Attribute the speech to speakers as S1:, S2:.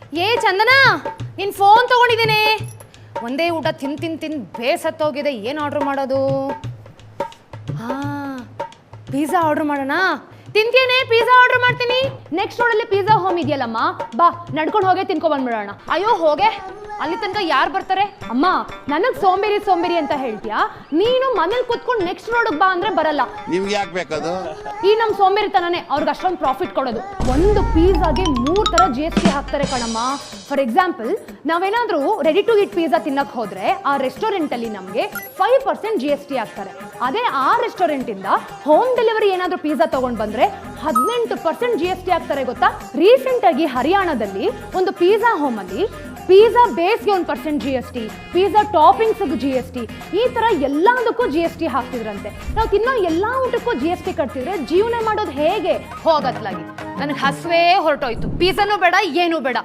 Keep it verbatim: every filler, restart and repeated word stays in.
S1: ಏ ಚಂದನ, ನಿನ್ ಫೋನ್ ತಗೊಂಡಿದ್ದೀನಿ. ಒಂದೇ ಊಟ ತಿನ್ ತಿನ್ ತಿನ್ ಬೇಸತ್ತೋಗಿದೆ. ಏನು ಆರ್ಡ್ರ್ ಮಾಡೋದು? ಹಾ, ಪಿಜ್ಜಾ ಆರ್ಡ್ರ್ ಮಾಡೋಣ. ತಿಂತೇನೆ, ಪಿಜ್ಜಾ ಆರ್ಡರ್ ಮಾಡ್ತೀನಿ.
S2: ನೆಕ್ಸ್ಟ್ ರೋಡಲ್ಲಿ ಪಿಜ್ಜಾ ಹೋಮ್ ಇದೆಯಲ್ಲಮ್ಮ, ಬಾ ನಡ್ಕೊಂಡು ಹೋಗೇ ತಿನ್ಕೊ ಬಂದ್ಬಿಡೋಣ.
S1: ಅಯ್ಯೋ ಹೋಗೆ, ಅಲ್ಲಿ ತನಕ ಯಾರು ಬರ್ತಾರೆ?
S2: ಅಮ್ಮ, ನನಗ್ ಸೋಂಬೇರಿ ಸೋಂಬೇರಿ ಅಂತ ಹೇಳ್ತೀಯಾ? ನೀನು ಮನೇಲಿ ಕುತ್ಕೊಂಡು ನೆಕ್ಸ್ಟ್ ರೋಡ್ಗೆ ಬಾ ಅಂದ್ರೆ ಬರಲ್ಲ.
S3: ನಿಮ್ಗೆ ಯಾಕೆ ಬೇಕದು?
S2: ಈ ನಮ್ ಸೋಂಬೇರಿತನನೇ ಅವ್ರಿಗೆ ಅಷ್ಟೊಂದು ಪ್ರಾಫಿಟ್ ಕೊಡೋದು. ಒಂದು ಪಿಜ್ಜಾಗೆ ಮೂರ್ ತರ ಜಿ ಎಸ್ ಟಿ ಹಾಕ್ತಾರೆ ಕಣಮ್ಮ. ಫಾರ್ ಎಕ್ಸಾಂಪಲ್, ನಾವೇನಾದ್ರೂ ರೆಡಿ ಟು ಈಟ್ ಪಿಜ್ಜಾ ತಿನ್ನಕ್ ಹೋದ್ರೆ ಆ ರೆಸ್ಟೋರೆಂಟ್ ಅಲ್ಲಿ ನಮ್ಗೆ five percent G S T ಹಾಕ್ತಾರೆ. ಅದೇ ಆ ರೆಸ್ಟೋರೆಂಟ್ ಇಂದ ಹೋಮ್ ಡೆಲಿವರಿ ಏನಾದ್ರೂ ಪಿಜ್ಜಾ ತಗೊಂಡ್ ಬಂದ್ರೆ ಹದಿನೆಂಟು ಪರ್ಸೆಂಟ್ ಜಿ ಎಸ್ ಟಿ ಹಾಕ್ತಾರೆ ಗೊತ್ತಾ? ರೀಸೆಂಟ್ ಆಗಿ ಹರಿಯಾಣದಲ್ಲಿ ಒಂದು ಪಿಜ್ಜಾ ಹೋಮ್ ಅಲ್ಲಿ ಪಿಜ್ಜಾ ಬೇಸ್ಗೆ ಒಂದು percent G S T, pizza toppings G S T, ಈ ತರ ಎಲ್ಲದಕ್ಕೂ ಜಿ ಎಸ್ ಟಿ ಹಾಕ್ತಿದ್ರಂತೆ. ನಾವು ತಿನ್ನೋ ಎಲ್ಲಾ ಊಟಕ್ಕೂ ಜಿ ಎಸ್ ಟಿ ಕಟ್ತಿದ್ರೆ ಜೀವನ ಮಾಡೋದು ಹೇಗೆ?
S1: ಹೋಗತ್ಲಾಗಿ ನನಗೆ ಹಸುವೇ ಹೊರಟೋಯ್ತು. ಪಿಜ್ಜಾನೂ ಬೇಡ, ಏನೂ ಬೇಡ.